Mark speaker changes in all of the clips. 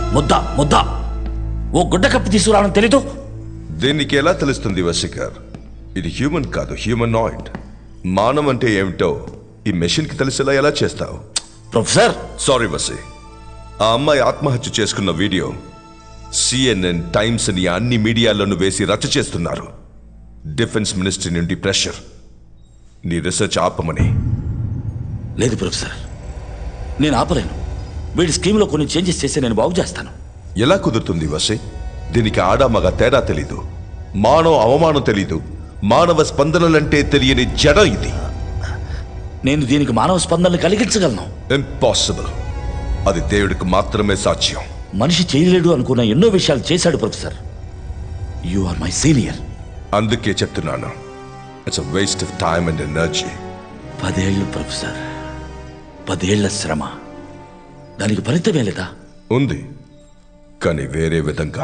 Speaker 1: ముద్ద ఓ గుడ్డ కప్పి తీసుకురావడం తెలీదు.
Speaker 2: దీనికి ఎలా తెలుస్తుంది వశీకర్? ఇది హ్యూమన్ కాదు, హ్యూమనాయిడ్. మానవం అంటే ఏమిటో ఈ మెషిన్కి తెలిసేలా ఎలా చేస్తావు?
Speaker 1: ప్రొఫెసర్
Speaker 2: సారీ వసి, ఆ అమ్మాయి ఆత్మహత్య చేసుకున్న వీడియో CNN, టైమ్స్ అని అన్ని మీడియాల్లోనూ వేసి రచ్చ చేస్తున్నారు. డిఫెన్స్ మినిస్ట్రీ నుండి ప్రెషర్, నీ రీసెర్చ్ ఆపమని.
Speaker 1: లేదు ప్రొఫెసర్, నేను ఆపలేను. వీడి స్కీమ్లో కొన్ని చేంజెస్ చేసి నేను బాగు చేస్తాను.
Speaker 2: ఎలా కుదురుతుంది వసి? దీనికి ఆడామగ తేడా తెలీదు, మానవ అవమానం తెలీదు, మానవ స్పందనలంటే తెలియని జడ ఇది.
Speaker 1: నేను దీనికి మానవ స్పందనలు కలిగించగలను.
Speaker 2: ఇంపాసిబుల్. అది దేవుడికి మాత్రమే సాధ్యం.
Speaker 1: మనిషి చేయలేడు అనుకున్న ఎన్నో విషయాలు చేశాడు professor. You are my senior.
Speaker 2: అందుకే చెప్తున్నాను, it's a waste of time and energy.
Speaker 1: 10 ఏళ్ళు ప్రొఫెసర్, 10 ఏళ్ల శ్రమ, దానికి ఫలితమే లేదా?
Speaker 2: ఉంది, కానీ వేరే విధంగా.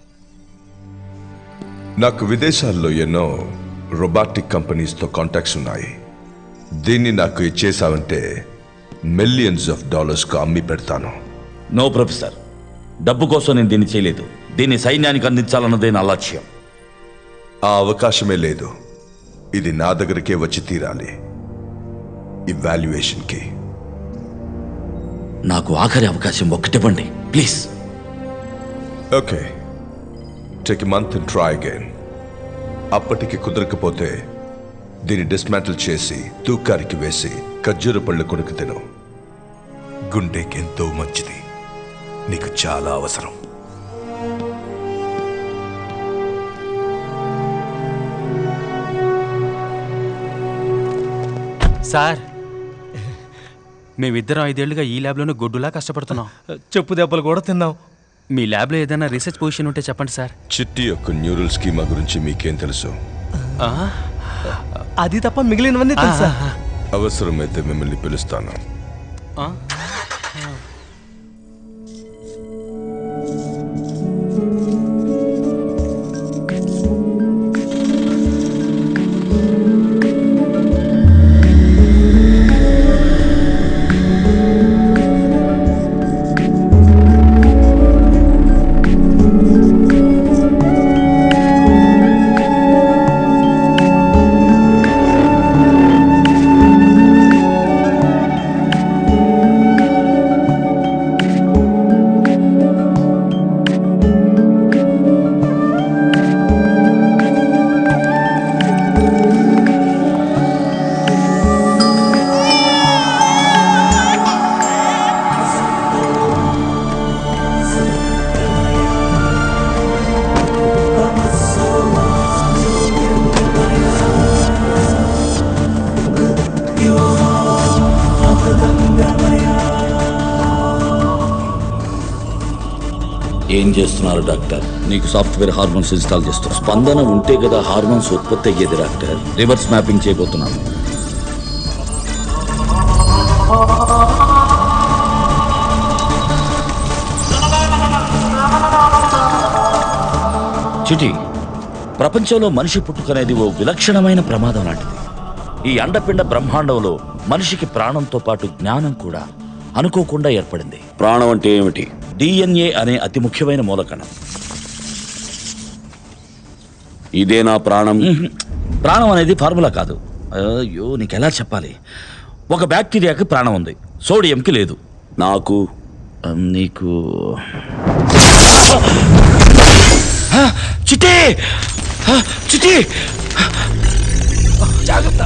Speaker 2: నాకు విదేశాల్లో ఎన్నో రోబోటిక్ కంపెనీస్తో కాంటాక్ట్స్ ఉన్నాయి. దీన్ని నాకు ఇచ్చేసావంటే మిలియన్స్ ఆఫ్ డాలర్స్కు అమ్మి పెడతాను.
Speaker 1: నో ప్రొఫెసర్, డబ్బు కోసం నేను దీన్ని చేయలేదు. దీన్ని సైన్యానికి అందించాలన్నదే నా లక్ష్యం.
Speaker 2: ఆ అవకాశమే లేదు. ఇది నా దగ్గరికే వచ్చి తీరాలి, ఇవాల్యుయేషన్కి.
Speaker 1: నాకు ఆఖరి అవకాశం ఒక్కటివ్వండి please.
Speaker 2: Okay, take a month and try again. అప్పటికి కుదరకపోతే దీన్ని డిస్మాంటిల్ చేసి తూకారికి వేసి ఖర్జూర పళ్ళు కొడుకు తిను. గుండెకి ఎంతో మంచిది, నీకు చాలా అవసరం.
Speaker 3: సార్, మేమిద్దరం 5 ఏళ్లుగా ఈ ల్యాబ్లోనే గొడ్డులా కష్టపడుతున్నాం.
Speaker 4: చెప్పు దెబ్బలు కూడా తిన్నాం.
Speaker 3: మీ ల్యాబ్లో ఏదైనా రీసెర్చ్ పొజిషన్ ఉంటే చెప్పండి సార్.
Speaker 2: చిట్టి యొక్క న్యూరల్ స్కీమా గురించి మీకేం తెలుసు?
Speaker 4: అది తప్ప మిగిలినవన్నీ తెలుసా?
Speaker 2: అవసరమైతే మిమ్మల్ని పిలుస్తాను.
Speaker 1: ఏం చేస్తున్నారు డాక్టర్? నీకు సాఫ్ట్వేర్ హార్మోన్స్ ఇన్స్టాల్ చేస్తాం. స్పందన ఉంటే కదా హార్మోన్స్ ఉత్పత్తి అయ్యేది డాక్టర్. రివర్స్ మ్యాపింగ్ చేయబోతున్నాను. చిటి, ప్రపంచంలో మనిషి పుట్టుకనేది ఓ విలక్షణమైన ప్రమాదం లాంటిది. ఈ అండపిండ బ్రహ్మాండంలో మనిషికి ప్రాణంతో పాటు జ్ఞానం కూడా అనుకోకుండా ఏర్పడింది. ప్రాణం అంటే ఏమిటి? DNA అనే అతి ముఖ్యమైన మూలకణం. ఇదే నా ప్రాణం. ప్రాణం అనేది ఫార్ములా కాదు. అయ్యో, నీకెలా చెప్పాలి? ఒక బ్యాక్టీరియాకి ప్రాణం ఉంది, సోడియంకి లేదు. నాకు నీకు చిట్టి చిట్టి జాగ్రత్త.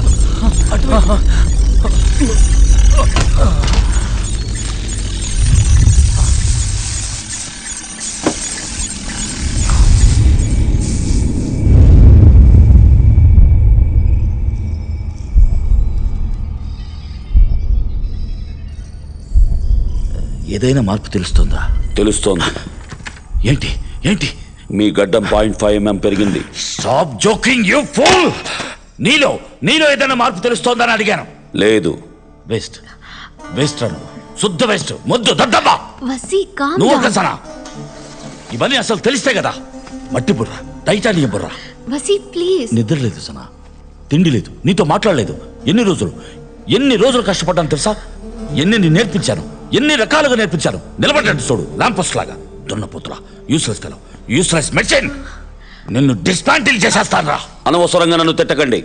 Speaker 1: ఏదైనా మార్పు తెలుస్తుందా? తెలుస్తోంది. ఏంటి ఏంటి? మీ గడ్డం 0.5 mm పెరిగింది. Stop joking you fool. నీలో ఏదైనా మార్పు తెలుస్తోందని అడిగాను. లేదు. వేస్ట్ వేస్ట్ అను, శుద్ధ వేస్ట్. ముద్దు దద్దమ్మ. నువ్వు ఒకసారా ఇవన్నీ అసలు తెలిస్తే కదా. మట్టి బుర్ర, టైటానియం బుర్ర. నిద్ర లేదు సనా, తిండి లేదు, నీతో మాట్లాడలేదు. ఎన్ని రోజులు కష్టపడ్డాను తెలుసా? ఎన్ని నేర్పించాను, ఎన్ని రకాలుగా నేర్పించాను. నిలబడ్డాడు చూడు, ల్యాంపోస్ట్ లాగా. దున్నపోతురా, యూస్లెస్ ఫెలో, యూస్లెస్ మెడిసిన్. నిన్ను డిస్మాంటిల్ చేసేస్తాను రా. అనవసరంగా నన్ను తిట్టకండి.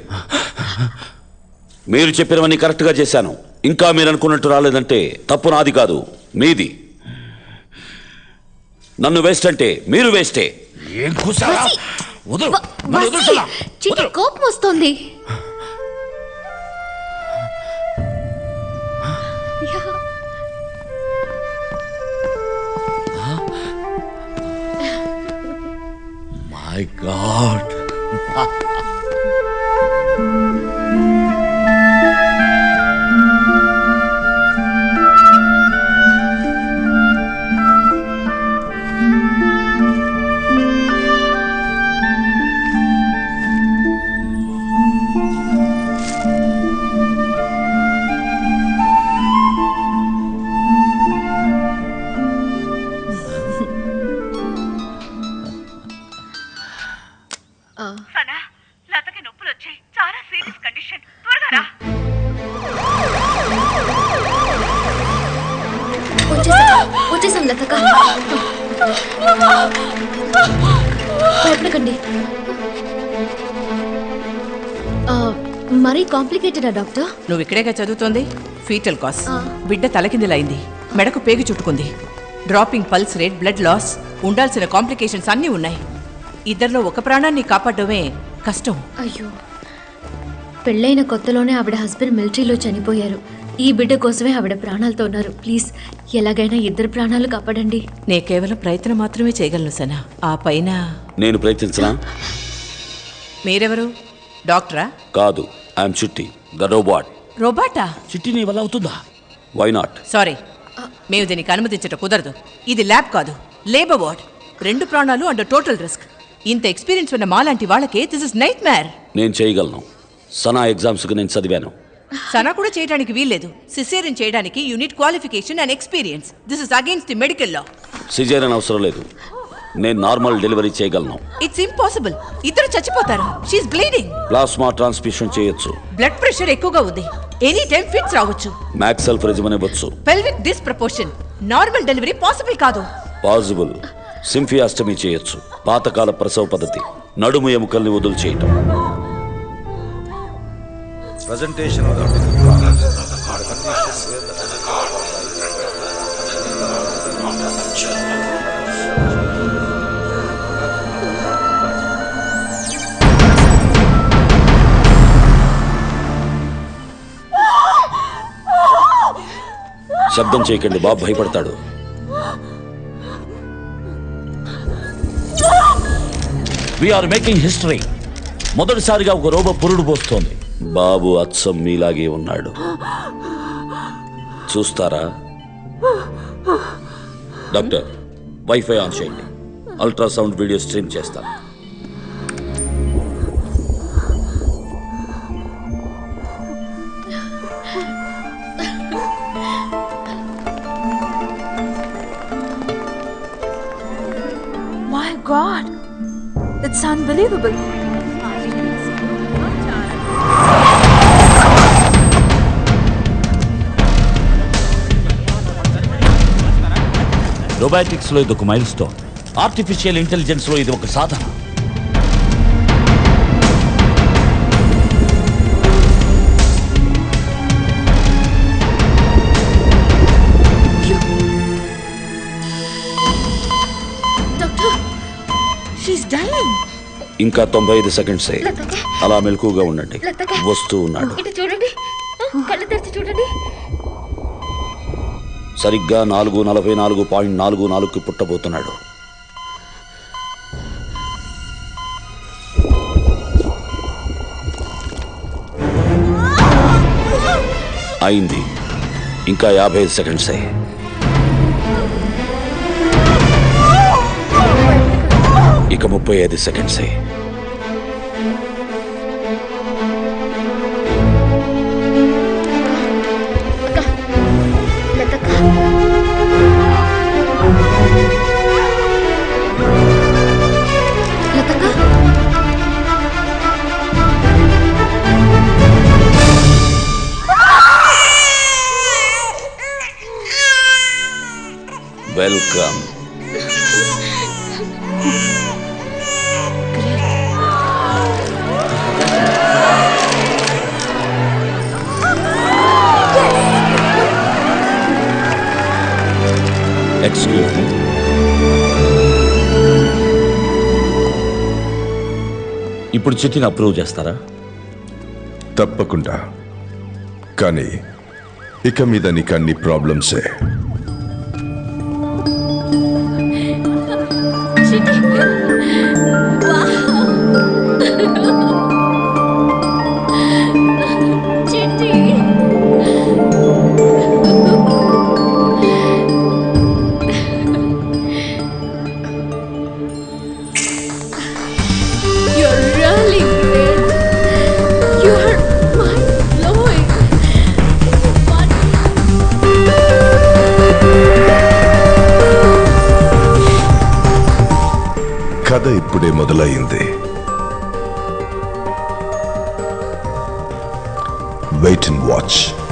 Speaker 1: మీరు చెప్పినవన్నీ కరెక్ట్గా చేశాను. ఇంకా మీరు అనుకున్నట్టు రాలేదంటే తప్పు నాది కాదు, మీది. నన్ను వేస్ట్ అంటే మీరు వేస్టే. ఏం కూసారా? వదలు, నన్ను వదులుతున్నా.
Speaker 5: చిట్టి కోపం వస్తుంది.
Speaker 1: My God.
Speaker 6: సనా, లతకి నొప్పులు వచ్చాయి. చాలా సీరియస్ కండిషన్. త్వరగా రా.
Speaker 5: వచ్చేసాం లతక. భయపడకండి. మరీ కాంప్లికేటెడా డాక్టర్?
Speaker 6: నువ్వు ఇక్కడేగా చదువుతోంది. Fetal cause. బిడ్డ తలకిందులైంది, మెడకు పేగు చుట్టుకుంది. Dropping pulse rate, blood loss, ఉండాల్సిన కాంప్లికేషన్స్ అన్నీ ఉన్నాయి. ఇద్దరిలో ఒక ప్రాణాన్ని కాపాడమే కష్టం.
Speaker 5: అయ్యో, పెళ్ళైన కొత్తలోనే ఆవిడ హస్బెండ్ మిలిటరీలో చనిపోయారు. ఈ బిడ్డ కోసమే ఆవిడ ప్రాణాలతో ఉన్నారు. ప్లీజ్ ఎలాగైనా ఇద్దరు ప్రాణాలు కాపాడండి.
Speaker 6: నే కేవలం ప్రయత్నం మాత్రమే చేయగలను సనా. ఆ పైన
Speaker 1: నేను ప్రయత్నించనా?
Speaker 6: మీరెవరు? డాక్టరా?
Speaker 1: కాదు, ఐఎమ్ చిట్టి, ద రోబోట్.
Speaker 6: రోబాటా?
Speaker 1: చిట్టి నీ వల్ల అవుతుందా? Why not?
Speaker 6: సారీ, మేము దీనికి అనుమతించట కుదరదు. ఇది ల్యాబ్ కాదు, లేబర్ వార్డ్. 2 ప్రాణాలు అండర్ టోటల్ రిస్క్. ఇంత ఎక్స్పీరియన్స్ ఉన్న మాలాంటి వాళ్ళకే దిస్ ఇస్ నైట్ మ్యార్.
Speaker 1: నేను చేయగలను. సనా ఎగ్జామ్స్కి నేను చదివాను.
Speaker 6: సనా కూడా చేయడానికి వీల్లేదు. సిసేరియన్ చేయడానికి you need qualification and experience. This is against the medical law.
Speaker 1: Caesarean అవసరం లేదు. నేను నార్మల్ డెలివరీ చేయగలను.
Speaker 6: It's impossible. ఇద్దరు చచ్చిపోతారు. She's bleeding.
Speaker 1: ప్లాస్మా ట్రాన్స్ఫ్యూషన్ చేయొచ్చు.
Speaker 6: బ్లడ్ ప్రెషర్ ఎక్కువగా ఉంది. ఎనీ టైం ఫిట్స్ రావచ్చు.
Speaker 1: మ్యాక్స్ సెల్ఫ్ రెజిమన్ ఇవ్వచ్చు.
Speaker 6: Pelvic disproportion. Normal delivery possible కాదు.
Speaker 1: పాసిబుల్. సింఫియాస్టమీ చేయొచ్చు. పాతకాల ప్రసవ పద్ధతి. నడుము ఎముకల్ని వదులు చేయటం.
Speaker 2: Presentation of the
Speaker 1: శబ్దం చేయకండి, బాబు భయపడతాడు. We're making history. మొదటిసారిగా ఒక రోబో పురుడు పోస్తోంది. బాబు అచ్చం మీలాగే ఉన్నాడు. చూస్తారా? డాక్టర్, వైఫై ఆన్ చేయండి. అల్ట్రాసౌండ్ వీడియో స్ట్రీమ్ చేస్తాను.
Speaker 7: My God, it's unbelievable.
Speaker 1: రోబాటిక్స్లో ఇది ఒక మైల్ స్టోన్. ఆర్టిఫిషియల్ ఇంటెలిజెన్స్లో ఇది ఒక సాధన.
Speaker 7: She's dying.
Speaker 1: ఇంకా 95 సెకండ్సే. అలా మెలకుగా ఉండండి. వస్తూ ఉన్నాడు.
Speaker 5: ఇటు చూడండి, కళ్ళు తెరిచి చూడండి.
Speaker 1: సరిగ్గా 4:44.44కి పుట్టబోతున్నాడు. అయింది. ఇంకా 55 సెకండ్సే. ఇక 35 సెకండ్సే. వెల్కమ్. Excuse me. ఇప్పుడు చిట్టిని అప్రూవ్ చేస్తారా?
Speaker 2: తప్పకుండా. కానీ ఇక మీద నీకు అన్ని ప్రాబ్లమ్సే.
Speaker 5: You're really great. You're mind-blowing.
Speaker 2: కథ ఇప్పుడే మొదలయ్యింది. Wait and watch.